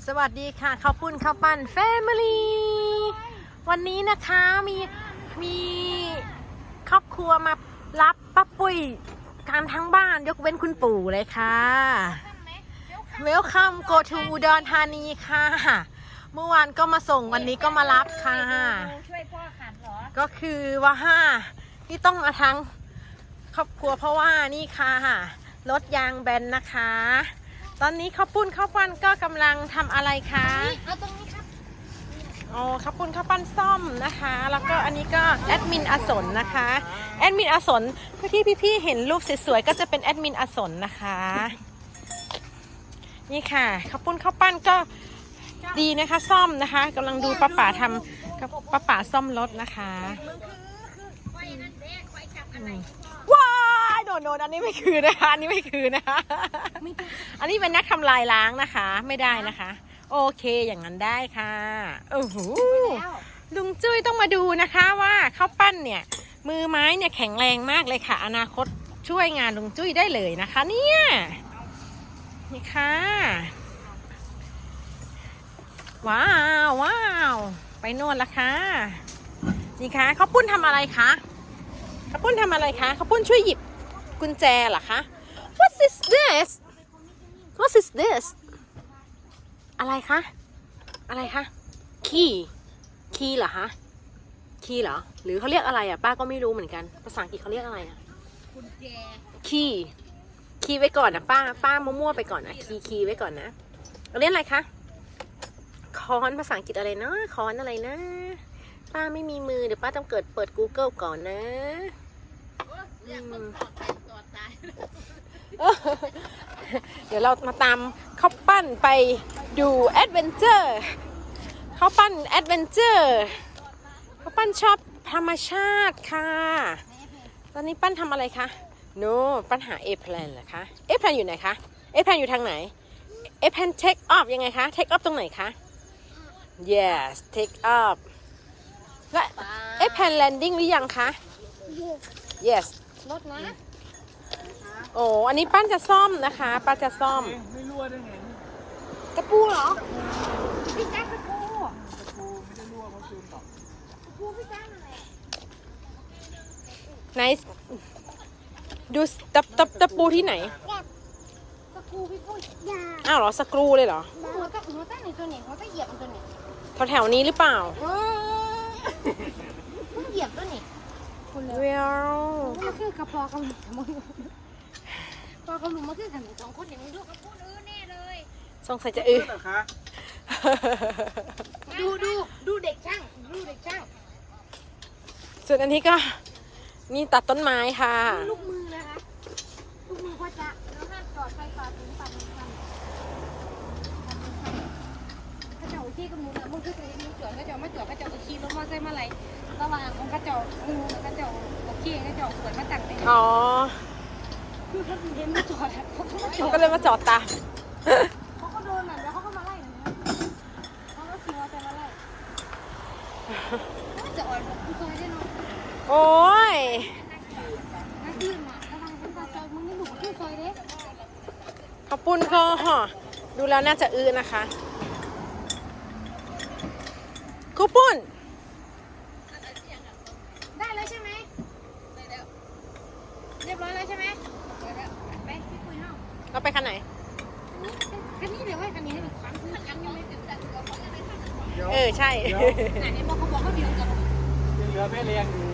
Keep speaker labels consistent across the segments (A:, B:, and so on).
A: สวัสดีค่ะข้าวปุ้นข้าวปั้นแฟมิลี่วันนี้นะคะมีครอบครัวมารับป้าปุ้ยกันทั้งบ้านยกเว้นคุณปู่เลยค่ะเวลคัมโกทูอุดรธานีค่ะเมื่อวานก็มาส่งวันนี้ก็มารับค่ะ
B: ช่วยพ่อขันเหรอ
A: ก็คือว่าที่ต้องมาทั้งครอบครัวเพราะว่านี่ค่ะรถยางแบนนะคะตอนนี้ข้าวปุ้นข้าวปั้นก็กำลังทำอะไรคะ
B: เอาตรงนี้ครับ
A: อ๋อข้าวปุ้นข้าวปั้นซ่อมนะคะแล้วก็อันนี้ก็แอดมินอสนนะคะแอดมินอสนที่พี่ๆเห็นรูปสวยๆก็จะเป็นแอดมินอสนนะคะนี่ค่ะข้าวปุ้นข้าวปั้นก็ดีนะคะซ่อมนะคะกำลังดูป้าป๋าทำกับป้าป๋าซ่อมรถนะคะว้ายโดนอันนี้ไม่คือนะคะอันนี้ไม่คือนะคะอันนี้เป็นนักทำลายล้างนะคะไม่ได้นะคะโอเคอย่างนั้นได้ค่ะโอ้โหลุงจุ้ยต้องมาดูนะคะว่าข้าวปั้นเนี่ยมือไม้เนี่ยแข็งแรงมากเลยค่ะอนาคตช่วยงานลุงจุ้ยได้เลยนะคะเนี่ยนี่ค่ะว้าวไปโน่นละค่ะนี่ค่ะข้าวปุ้นทำอะไรคะข้าวปุ้นทำอะไรคะข้าวปุ้นช่วยหยิบกุญแจเหรอคะ What is this What is this อะไรคะอะไรคะคีย์เหรอคะคีย์เหรอหรือเขาเรียกอะไรอ่ะป้าก็ไม่รู้เหมือนกันภาษาอังกฤษเขาเรียกอะไรอ่ะ
B: กุญแจ
A: คีย์ไว้ก่อนนะป้ามั่วๆไปก่อนนะคีย์ไว้ก่อนนะเราเรียกอะไรคะค้อนภาษาอังกฤษอะไรนะค้อนอะไรนะป้าไม่มีมือเดี๋ยวป้าต้องเปิด Google ก่อนนะเดี๋ยวเรามาตามข้าวปั้นไปดูแอดเวนเจอร์ข้าวปั้นแอดเวนเจอร์ข้าวปั้นชอบธรรมชาติค่ะตอนนี้ปั้นทำอะไรคะโน้ปั้นหาเอแพลนเหรอคะเอแพลนอยู่ไหนคะเอแพลนอยู่ทางไหนเอแพลนเทคออฟยังไงคะเทคออฟตรงไหนคะ yes take off และเอแพลนแลนดิ้งหรือยังคะ yes
B: รถนะ
A: โอ้อันนี้ปั้นจะซ่อมนะคะป้าจะซ่อม
C: ไม่รั่วได้ไง
B: ตะปูเหรอพี่แจ๊คตะปู
C: ไม่ได้รั่วเขาซูมต่อ
B: ตะปูพี่แจ๊คอะไร
A: ไหนดูตะปูที่ไหน
B: ตะปูพี่ปุ้ยยา
A: อ้าวเหรอสกรูเลยเหรอ
B: หัวตั้งในตัวไหนหัวตั้งเหยียบตัวไหน
A: แถวนี้หรือเปล่า
B: มึงเหยียบตัวไหน
A: เวล
B: มันคือกระเพาะกับมึงพอเขาลุมมาคือขันสองคนอย่างนี้ลูกเขาพูดแน่เลย
A: สงสัยจะ
B: ดูเด็กช่าง
A: ส่วนอันนี้ก็นี่ตัดต้นไม้ค่ะ
B: ลูกมือนะคะลูกมือพ่อจ๊ะแล้วห้ามจอดไฟฟ้าถึงปั่นข้าเจ้าที่กับมึงนะมึงคือจะมึงจอดข้าเจ้าไม่จอดข้าเจ้าจะขี่รถมอเตอร์ไซค์มาอะไรระหว่างของข้าเจ้ามึงข้าเจ้าขี่ข้าเจ้าสวนมาตั้งเลย
A: อ๋อ
B: คือเขาเห็นมาจอด
A: เขาก็เลยมาจอดตาม
B: เขาก็โดนแล้วเขาก็มาไล่เขาก็ขี่มอเตอร์ไซค์มาไล่จะอ่อนแบบผู้ชายได้เนาะ
A: โอ้ย
B: นักดื่มอ่ะระวังคนตาจอยมึงไม่หนูผู้ชายเด้
A: ข้าวปุ้นก็ดูแล้วน่าจะนะคะข้าวปุ้น
B: ได้แล้วใช่ไหมเรียบร้อยแล้วใช่ไหมไปพี่คุยห้อง
A: เราไปคันไหน
B: คันนี้เดี๋ยวให้คันนี้ให้หนูคันคือคันยังไม่ถึงแต่ตัวเขาจะได้คัน
A: ใช่
B: ไหนบอกเขาบอกเขาเดียวกัน
C: ยังเหลือแม่เลี้ยงอยู่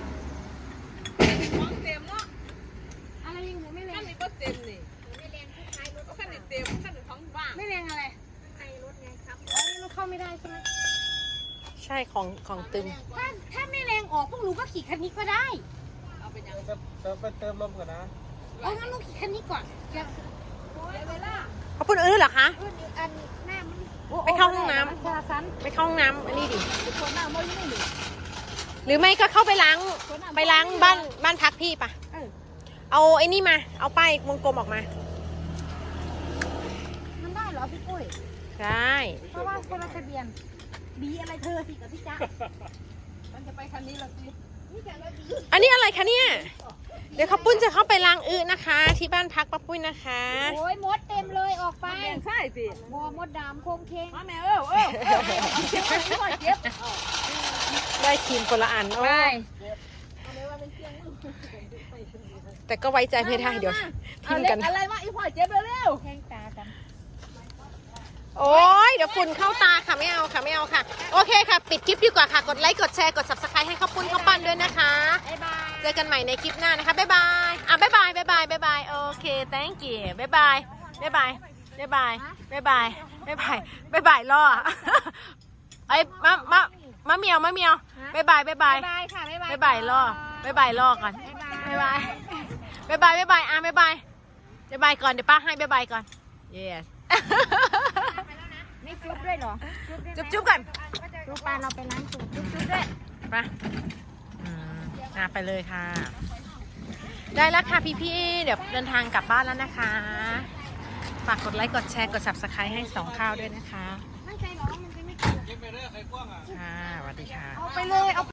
B: ท้องเต็มเนาะอะไรยังเหลือไม่แรง
D: ขั้นนี้ก็เต็มนี่ไม่แรงทุกท้ายรถขั้นนี้เต็มขั้นนี้ท้องว่าง
B: ไม่แรงอะไร
D: ในรถไงครับ
B: รถเข้าไม่ได้ใช่ไหม
A: ใช่ของตึง
B: ถ้าไม่แรงออกพวกหนูก็ขี่คันนี้ก็ได้
D: เอาไปยัง
C: ไปเติมลมก่อนนะ
B: งั้นหนูขี่คันนี้ก่อน
A: ข้าวปุ้นเหรอคะ
B: อันหน้ามัน
A: ไปเข้าห้องน้ำอันนี้ดิหรือไม่ก็เข้าไปล้างบ้านพักพี่ปะเอาไอ้นี่มาเอาป้ายวงกลมออกมา
B: มันได้เหรอพี่ปุ้ย
A: ได้
B: เพราะว่าคนละทะเบียนบีอะไรเธอสิกับพี่จ๊ะมันจะไปคันนี้หรอสิ
A: อันนี้อะไรคะเนี่ย เดี๋ยวข้าวปุ้นจะเข้าไปล้างอึนะคะ ที่บ้านพักป้าปุ้ยนะคะ
B: โอ้ยมดเต็มเลยออกไป
D: แม่ใช่สิ
B: บัวมดดำโคงเคง
D: มาแม่เอาเจ็บไปพ่อเจ็บ
A: ได้ทีมคนละอันโอ้
B: ไป
A: แต่ก็ไว้ใจไม่ได้เดี๋ยวทิ้งกัน
D: อะไรวะอีพ่อเจ็บเร็ว
B: แทงตากัน
A: โอ้ยเดี๋ยวฝุ่นเข้าตาค่ะไม่เอาค่ะไม่เอาค่ะ โอเคค่ะ ปิดคลิปดีกว่าค่ะ กดไลค์กดแชร์กด subscribe ให้ข้าวปุ้นข้าวปั้นด้วยนะคะ
B: บ๊ายบาย
A: เจอกันใหม่ในคลิปหน้านะคะ บ๊ายบาย บ๊ายบาย บ๊ายบาย บ๊ายบาย โอเค thank you บ๊ายบาย บ๊ายบาย บ๊ายบาย บ๊ายบาย บ๊ายบาย บ๊ายบายล่อไอ้ยมะเมียวบ๊ายบาย บ๊ายบาย
B: บ๊ายบายค่ะบ๊ายบาย
A: บ๊ายบายล่อบ๊ายบายล่อก่อน บ๊ายบาย บ๊ายบาย บ๊ายบายบ๊ายบาย บ๊ายบายก่อน เดี๋ยวป้าให้บ๊ายบายก่อน yes
B: ไม่จุ๊บด้วยเหรอ
A: จุ๊บกัน
B: จุ๊บปลาเราไปล้างจุ๊บจุ๊บด้วย
A: ไปไปเลยค่ะ ได้แล้วค่ะพี่ๆ เดี๋ยวเดินทางกลับบ้านแล้วนะคะ ฝากกดไลค์ กดแชร์ กด subscribe ให้2ข้าวด้วยนะคะ
B: ไม่ใจร้อนมันจะไม่กิน
C: เก็บไปเรื่อยใครกว้างอ่ะ
A: ค่ะสวัสดีค่ะ
B: เอาไปเลยเอา